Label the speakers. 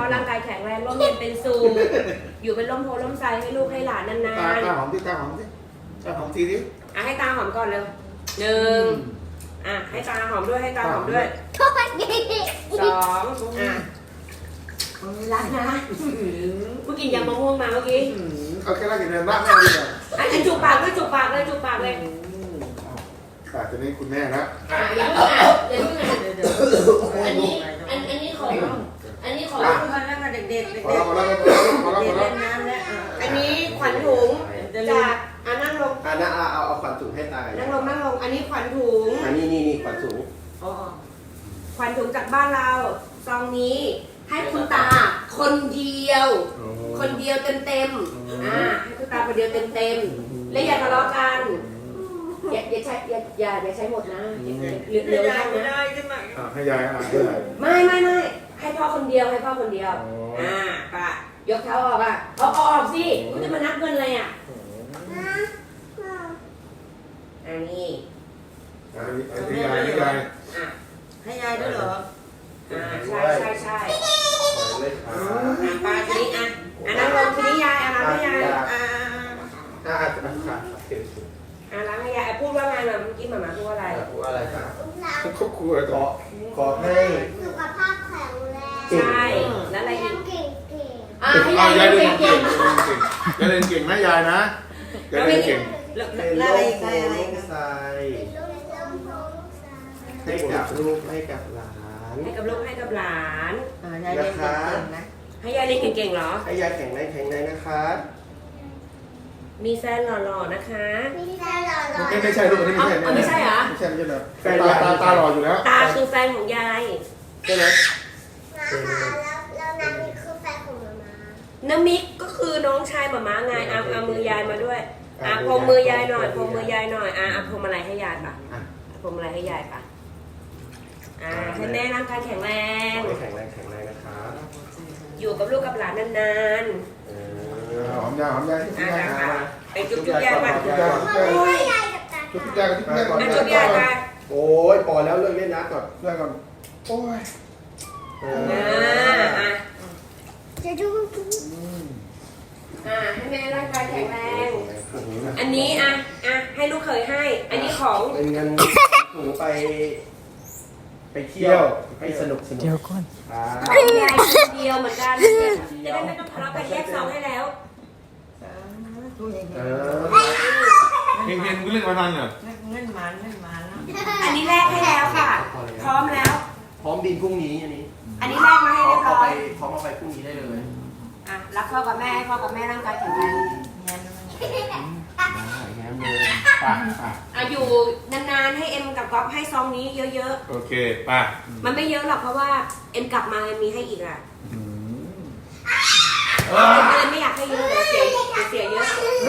Speaker 1: ร่างกายแข็งแรงร่มเย็นเป็นสุขอยู่เป็นร่มโพล่มไทรให้ลูกให้หลานนาน
Speaker 2: ตาหอมที่ตาหอมที่ตาหอมทีดิ
Speaker 1: ให้ตาหอมก่อนเร็วหนึ่งให้ตาหอมด้วยให้ตาหอมด้วยสองรักนะเมื่อกี้ยำมะม่วงมาเมื่อกี้
Speaker 2: เอาแค่รักอย่างเดียวบ้างแม่ดีกว่า
Speaker 1: จูบปากด้วยจูบปากเลยจูบปากเลย
Speaker 2: จะนี่คุณแม่นะ
Speaker 1: อย่าเพิ่งอันนี้ของ
Speaker 3: มาแล้วมาเด็กๆ
Speaker 2: พอแล้ว
Speaker 3: เล่นน้ำแล้ว
Speaker 1: อันนี้ขวัญถุงจากนั่งลง
Speaker 4: เอาขวัญถุงให้ตา
Speaker 1: นั่งลงอันนี้ขวัญถุง
Speaker 4: นี่ขวัญถุง
Speaker 1: ขวัญถุงจากบ้านเราซองนี้ให้คุณตาคนเดียวเต็มให้คุณตาคนเดียวเต็มและอย่าทะเลาะกันอย่าใช้หมดนะเหลือไว้บ้างนะ
Speaker 2: ให้ยาย
Speaker 1: ไม่ให้พ่อคนเดียวป่ะยกเท้าออกเอาออกสิกูจะมานับเงินอะไรอันนี้
Speaker 2: ให้ยาย
Speaker 3: ให้ยายด้วยเหรอ
Speaker 1: ใช่ป้าทีนี้นั่งลงทีนี้ยายล้างให้ยายล้างให้ยายพูดว่าไงเมื่อกี้หมาพูดอะไร
Speaker 4: ครับ
Speaker 2: ครอบครัว
Speaker 4: ขอให้
Speaker 5: สุขภาพแข็งแรง
Speaker 1: ใช่แล้วอะไรอีก
Speaker 5: เก่ง
Speaker 1: ให้ยายเรียนเก่ง
Speaker 2: ยายเรียนเก่งนะยายนะยายเรียนเก่ง
Speaker 3: อะไรใส่
Speaker 4: ให้กับลูกให้กับหลาน
Speaker 1: ให้กับลูกให้กับหลาน
Speaker 3: ยายเรียนเก่งนะ
Speaker 1: ให้ยายเรียนเก่งๆเหรอ
Speaker 4: ให้ยายแข็งแรงนะคะ
Speaker 1: มีแฟนหล่อๆนะคะ
Speaker 2: ไม่ใช่ลูก
Speaker 1: ไม่ใช่เหรอ
Speaker 2: ไม่ใช่แบบตาหล่ออยู่แล้ว
Speaker 1: ตาคือแฟนของยาย
Speaker 4: ใช่ไหม
Speaker 5: แล้วน้ำมิกคือแฟนของมาม่า
Speaker 1: น้ำมิกก็คือน้องชายหมาม้าไงเอามือยายมาด้วยพรมมือยายหน่อยพรมมือยายหน่อยพรมอะไรให้ยายป่ะพรมอะไรให้ยายป่ะให้แม่ร่างกายแข็งแรง
Speaker 4: แข็งแรงนะคะ
Speaker 1: อยู่กับลูกกับหลานนาน
Speaker 2: หอมยา
Speaker 1: ไปจุ๊บยายมาจุ๊บยายมา
Speaker 4: โอ้ยพอแล้วเลิกเล่นนะก่อน
Speaker 2: โอ้ย
Speaker 5: จะดู
Speaker 1: ให้แม่ร่างกายแข็งแรงอันนี้ให้ลูกเคยให้อันนี้ของ
Speaker 4: เป็นเงินถูไปเที่ยวให้สนุก
Speaker 1: เดี๋ยวก่อนยายคนเดียวเหมือนกันจะได้ไม่ต้องทะเลาะกันแยกซองให้แล้ว
Speaker 2: เพียงเรื่องมาทันเหรอ
Speaker 3: เงินมัน
Speaker 1: อันนี้แลกให้แล้วค่ะพร้อมแล้ว
Speaker 4: พร้อมบินพรุ่งนี้
Speaker 1: อันนี้แลกมาให้เรียบร้อย
Speaker 4: พร้อมเอาไปพรุ่งนี้ได้เลย
Speaker 1: รักพ่อกับแม่พ่อกับแม่ร่างกายแข็งแรงอยู่นานๆให้เอ็มกับก๊อฟให้ซองนี้เยอะ
Speaker 2: ๆโอเคป่ะ
Speaker 1: มันไม่เยอะหรอกเพราะว่าเอ็มกลับมาเอ็มมีให้อีกไม่อยากให้เยอะเดี๋ยวเสียเยอะ